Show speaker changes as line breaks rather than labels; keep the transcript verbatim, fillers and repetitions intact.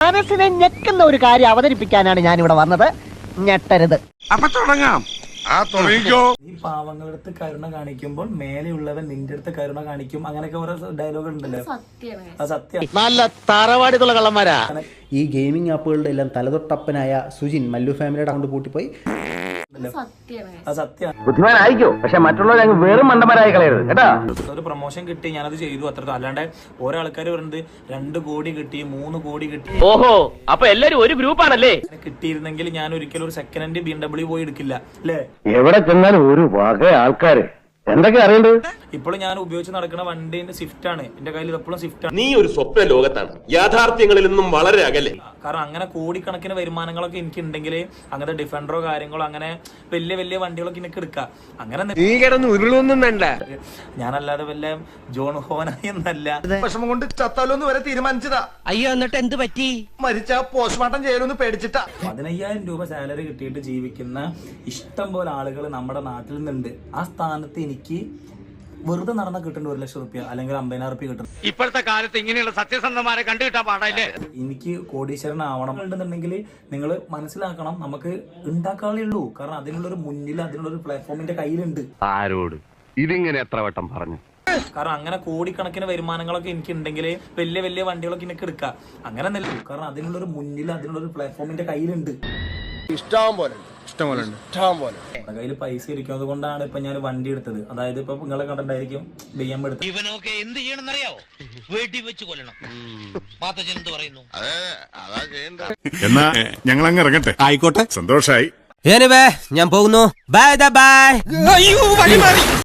മനസ്സിനെ ഞെക്കുന്ന ഒരു കാര്യം അവതരിപ്പിക്കാനാണ് ഞാൻ ഇവിടെ വന്നത്. ഞെട്ടരുത്.
അപ്പൊ തുടങ്ങാം. ആ തുടങ്ങിക്കോ.
ഈ പാവങ്ങളുടെ അടുത്ത് കരുണ കാണിക്കുമ്പോൾ മേലെയുള്ളവൻ നിന്റെ അടുത്ത് കരുണ കാണിക്കും. അങ്ങനെയൊക്കെ ഓരോ ഡയലോഗ് ഉണ്ടല്ലോ. അത് സത്യം.
നല്ല തറവാടിത്തുള്ള കള്ളന്മാരാ.
ഈ ഗെയിമിംഗ് ആപ്പുകളുടെ എല്ലാം തലതൊട്ടപ്പനായ സുജിൻ മല്ലു ഫാമിലിയുടെ അക്കൗണ്ട് പൂട്ടിപ്പോയി.
അത് സത്യം.
ബുദ്ധിമാനായിക്കോ, പക്ഷെ മറ്റുള്ളവരെ അങ്ങ് വെറും മണ്ടന്മാരായി കളയരുത് കേട്ടാ.
ഒരു പ്രൊമോഷൻ കിട്ടി, ഞാനത് ചെയ്തു, അത്ര. അല്ലാണ്ട് ഓരോ ആൾക്കാർ പറയുന്നത് രണ്ട് കോടി കിട്ടി, മൂന്ന് കോടി കിട്ടി.
ഓഹോ, അപ്പൊ എല്ലാരും ഒരു ഗ്രൂപ്പാണല്ലേ.
കിട്ടിയിരുന്നെങ്കിൽ ഞാൻ ഒരിക്കലും ഒരു second hand B M W പോയി എടുക്കില്ല അല്ലേ.
എവിടെ ചെന്നാലും ഒരു വക ആൾക്കാര് എന്തൊക്കെ അറിയണ്ടത്.
ഇപ്പോഴും ഞാൻ ഉപയോഗിച്ച് നടക്കുന്ന വണ്ടിന്റെ സ്വിഫ്റ്റ് ആണ് എന്റെ കയ്യിൽ. എപ്പോഴും സ്വിഫ്റ്റ് ആണ്.
നീ ഒരു സ്വപ്ന ലോകത്താണ്, യാഥാർത്ഥ്യങ്ങളിൽ നിന്നും വളരെ അകലെ.
കാരണം അങ്ങനെ കോടിക്കണക്കിന് വരുമാനങ്ങളൊക്കെ എനിക്ക് ഉണ്ടെങ്കിൽ അങ്ങനത്തെ ഡിഫൻഡറോ കാര്യങ്ങളോ അങ്ങനെ വലിയ വലിയ വണ്ടികളൊക്കെ എനിക്ക് എടുക്കാം. അങ്ങനെ
ഉരുളൊന്നും വേണ്ട.
ഞാനല്ലാതെ വല്ല ജോൺ ഹോനായി എന്നല്ല.
വിഷമം കൊണ്ട് ചത്താലോന്ന് വരെ തീരുമാനിച്ചതാ.
അയ്യോ, എന്നിട്ട് എന്ത് പറ്റി?
മരിച്ച പോസ്റ്റ്മോർട്ടം ചെയ്യലൊന്ന് പേടിച്ചിട്ടാ.
പതിനയ്യായിരം രൂപ സാലറി കിട്ടിയിട്ട് ജീവിക്കുന്ന ഇഷ്ടം പോലെ ആളുകൾ നമ്മുടെ നാട്ടിൽ നിന്നുണ്ട്. ആ സ്ഥാനത്ത് എനിക്ക് വെറുതെ നടന്ന കിട്ടേണ്ട ഒരു ലക്ഷം റുപ്യ അല്ലെങ്കിൽ അമ്പതിനായിരം റുപ്യ കിട്ടും.
ഇപ്പോഴത്തെ കാലത്ത് ഇങ്ങനെയുള്ള സത്യസന്ധമാരെ കണ്ടുകിട്ടാൻ പാടല്ലേ.
എനിക്ക് കോടീശ്വരൻ ആവണം ഉണ്ടെന്നുണ്ടെങ്കിൽ നിങ്ങൾ മനസ്സിലാക്കണം, നമുക്ക് ഉണ്ടാക്കാനേ ഉള്ളൂ. കാരണം അതിനുള്ളൊരു മുന്നിൽ അതിനുള്ളൊരു പ്ലാറ്റ്ഫോമിന്റെ കയ്യിലുണ്ട്.
ആരോട് ഇതിങ്ങനെ എത്ര വട്ടം പറഞ്ഞു.
കാരണം അങ്ങനെ കോടിക്കണക്കിന് വരുമാനങ്ങളൊക്കെ എനിക്ക് ഉണ്ടെങ്കിൽ വലിയ വലിയ വണ്ടികളൊക്കെ എനിക്ക് എടുക്കാം. അങ്ങനെ നിൽക്കും. കാരണം അതിനുള്ളൊരു മുന്നിൽ അതിനുള്ളൊരു പ്ലാറ്റ്ഫോമിന്റെ കയ്യിലുണ്ട്.
ഇഷ്ടം പോലെ ഇഷ്ടം പോലെ ഇഷ്ടം പോലെ
കയ്യിൽ പൈസ ഇരിക്കുന്നത് കൊണ്ടാണ് ഇപ്പൊ ഞാൻ വണ്ടി എടുത്തത്. അതായത് ഇപ്പൊ നിങ്ങളെ കണ്ടിട്ടായിരിക്കും ബി എം എടുത്തത്.
ഇവനൊക്കെ എന്ത് ചെയ്യണമെന്നറിയാവോ? വെടി വെച്ച് കൊല്ലണം. മാത്തച്ഛൻ എന്ത് പറയുന്നു?
എന്നാ ഞങ്ങൾ അങ്ങ് ഇറങ്ങട്ടെ. ആയിക്കോട്ടെ, സന്തോഷായി.
ഞാൻ പോകുന്നു. Bye by.